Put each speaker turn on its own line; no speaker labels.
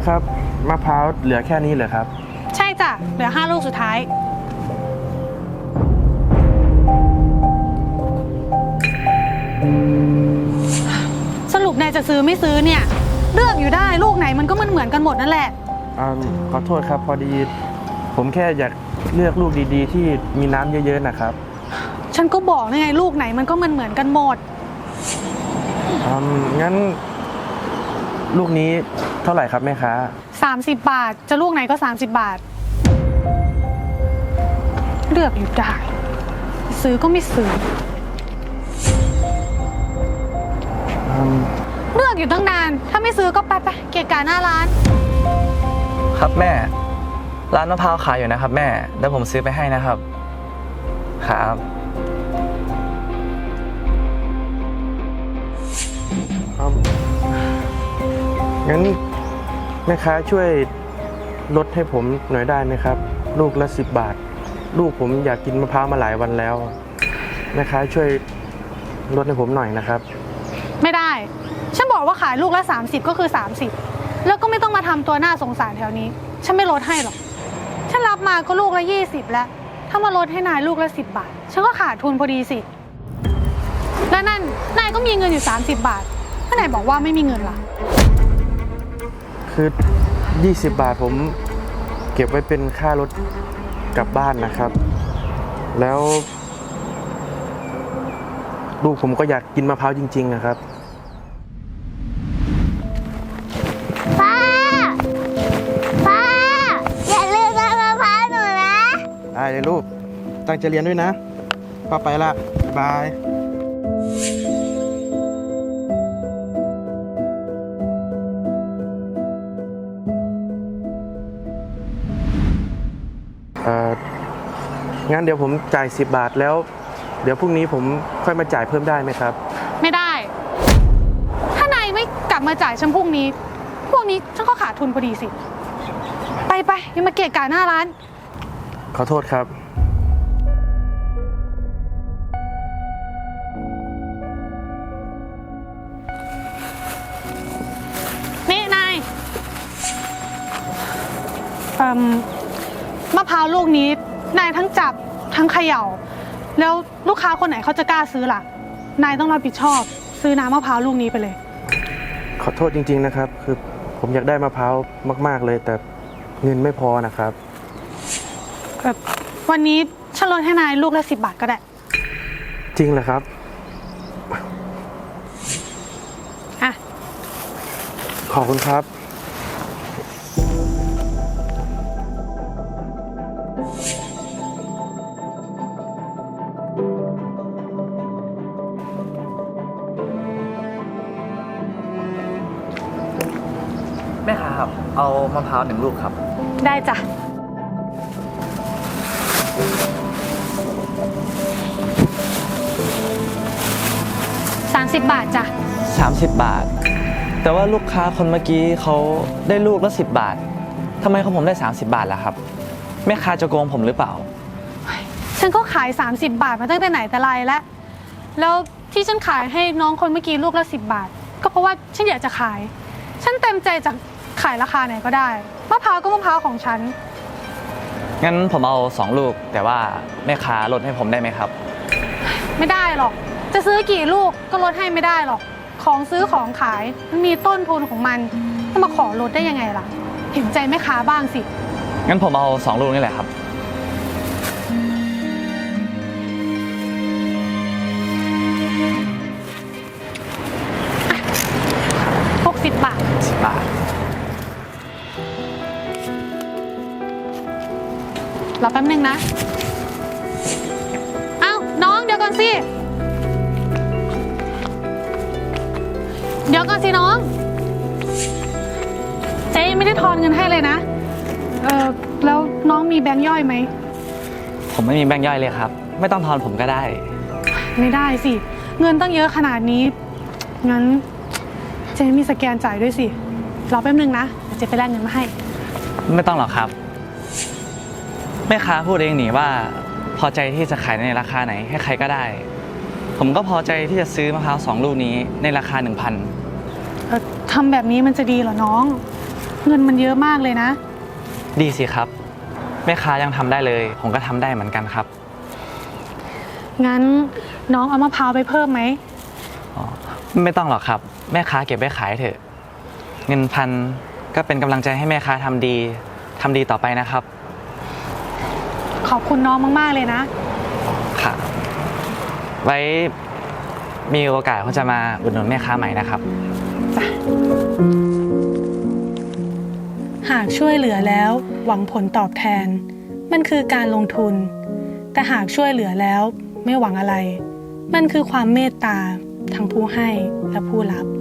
ครับมะพร้าวเหลือแค่นี้เหรอครับ
ใช่จ้ะเหลือ5 ลูกสุดท้ายสรุปนายจะซื้อไม่ซื้อเนี่ยเลือกอยู่ได้ลูกไหนมันก็เหมือนกันหมดนั่นแหละ
ขอโทษครับพอดีผมแค่อยากเลือกลูกดีๆที่มีน้ำเยอะๆนะครับ
ฉันก็บอกไงลูกไหนมันก็เหมือนกันหมด
งั้นลูกนี้เท่าไหร่ครับแม่ค้า
30 บาทจะลูกไหนก็30 บาทเลือกอยู่ได้ซื้อก็ไม่ซื้อเลือกอยู่ตั้งนานถ้าไม่ซื้อก็ไปเกะกะหน้าร้าน
ครับแม่ร้านมะพร้าวขายอยู่นะครับแม่เดี๋ยวผมซื้อไปให้นะครับครับ
งั้นแม่ค้าช่วยลดให้ผมหน่อยได้ไหมครับลูกละ10 บาทลูกผมอยากกินมะพร้าวมาหลายวันแล้วแม่ค้าช่วยลดให้ผมหน่อยนะครับ
ไม่ได้ฉันบอกว่าขายลูกละ30ก็คือ30แล้วก็ไม่ต้องมาทำตัวหน้าสงสารแถวนี้ฉันไม่ลดให้หรอกฉันรับมาก็ลูกละ20แล้วถ้ามาลดให้นายลูกละ10 บาทฉันก็ขาดทุนพอดีสิแล้วนั่นนายก็มีเงินอยู่30 บาทถ้านายบอกว่าไม่มีเงินล่ะ
คือ20 บาทผมเก็บไว้เป็นค่ารถกลับบ้านนะครับแล้วลูกผมก็อยากกินมะพร้าวจริงๆนะครับ
ป้าอย่าลืมซื้อมะพร้าวหนูนะ
ได้เลยลูกตั้งใจเรียนด้วยนะป้าไปละบายงั้นเดี๋ยวผมจ่าย10 บาทแล้วเดี๋ยวพรุ่งนี้ผมค่อยมาจ่ายเพิ่มได้ไหมครับ
ไม่ได้ถ้านายไม่กลับมาจ่ายฉันพรุ่งนี้พวกนี้ฉันก็ขาดทุนพอดีสิไปอย่ามาเกะกะหน้าร้าน
ขอโทษครับ
นี่นายมะพร้าวลูกนี้นายทั้งจับทั้งเขย่าแล้วลูกค้าคนไหนเขาจะกล้าซื้อล่ะนายต้องรับผิดชอบซื้อน้ำมะพร้าวลูกนี้ไปเลย
ขอโทษจริงๆนะครับคือผมอยากได้มะพร้าวมากๆเลยแต่เงินไม่พอนะครับ
วันนี้ฉันลดให้นายลูกละ10 บาทก็ได้
จริงเหรอครับ
อ่ะ
ขอบคุณครับ
แม่ค้าครับเอามะพร้าว1 ลูกครับ
ได้จ้ะ30 บาทจ้ะ
30 บาทแต่ว่าลูกค้าคนเมื่อกี้เขาได้ลูกละ10 บาททำไมของผมได้30 บาทล่ะครับแม่ค้าจะโกงผมหรือเปล่า
ฉันก็ขาย30 บาทมาตั้งแต่ไหนแต่ไรแล้วที่ฉันขายให้น้องคนเมื่อกี้ลูกละ10 บาทก็เพราะว่าฉันอยากจะขายฉันเต็มใจจะขายราคาไหนก็ได้มะพร้าวก็มะพร้าวของฉัน
งั้นผมเอา2 ลูกแต่ว่าแม่ค้าลดให้ผมได้ไหมครับ
ไม่ได้หรอกจะซื้อกี่ลูกก็ลดให้ไม่ได้หรอกของซื้อของขายมันมีต้นทุนของมันจะมาขอลดได้ยังไงล่ะเห็นใจแม่ค้าบ้างสิ
งั้นผมเอา2 ลูกนี่แหละครับ
60 บาท
10 บาท
รอแป๊บนึงนะอ้าวน้องเดี๋ยวก่อนสิน้องเจ๊ยังไม่ได้ทอนเงินให้เลยนะแล้วน้องมีแบงค์ย่อยไหม
ผมไม่มีแบงค์ย่อยเลยครับไม่ต้องทอนผมก็ได้
ไม่ได้สิเงินตั้งเยอะขนาดนี้งั้นเจ๊มีสแกนจ่ายด้วยสิรอแป๊บนึงนะเจ๊ไปแลกเงินมาให้
ไม่ต้องหรอกครับแม่ค้าพูดเองนี่ว่าพอใจที่จะขายในราคาไหนให้ใครก็ได้ผมก็พอใจที่จะซื้อมะพร้าว2 ลูกนี้ในราคา 1,000
ทำแบบนี้มันจะดีเหรอน้องเงินมันเยอะมากเลยนะ
ดีสิครับ แม่ค้ายังทำได้เลย ผมก็ทำได้เหมือนกันครับ
งั้นน้องเอามะพร้าวไปเพิ่มไหม
อ๋อไม่ต้องหรอกครับ แม่ค้าเก็บไว้ขายเถอะ เงินพันก็เป็นกำลังใจให้แม่ค้าทำดีต่อไปนะครับ
ขอบคุณน้องมากๆเลยนะ
ค่ะ ไว้มีโอกาสผมจะมาอุดหนุนแม่ค้าใหม่นะครับ
หากช่วยเหลือแล้วหวังผลตอบแทน มันคือการลงทุน แต่หากช่วยเหลือแล้วไม่หวังอะไร มันคือความเมตตาทั้งผู้ให้และผู้รับ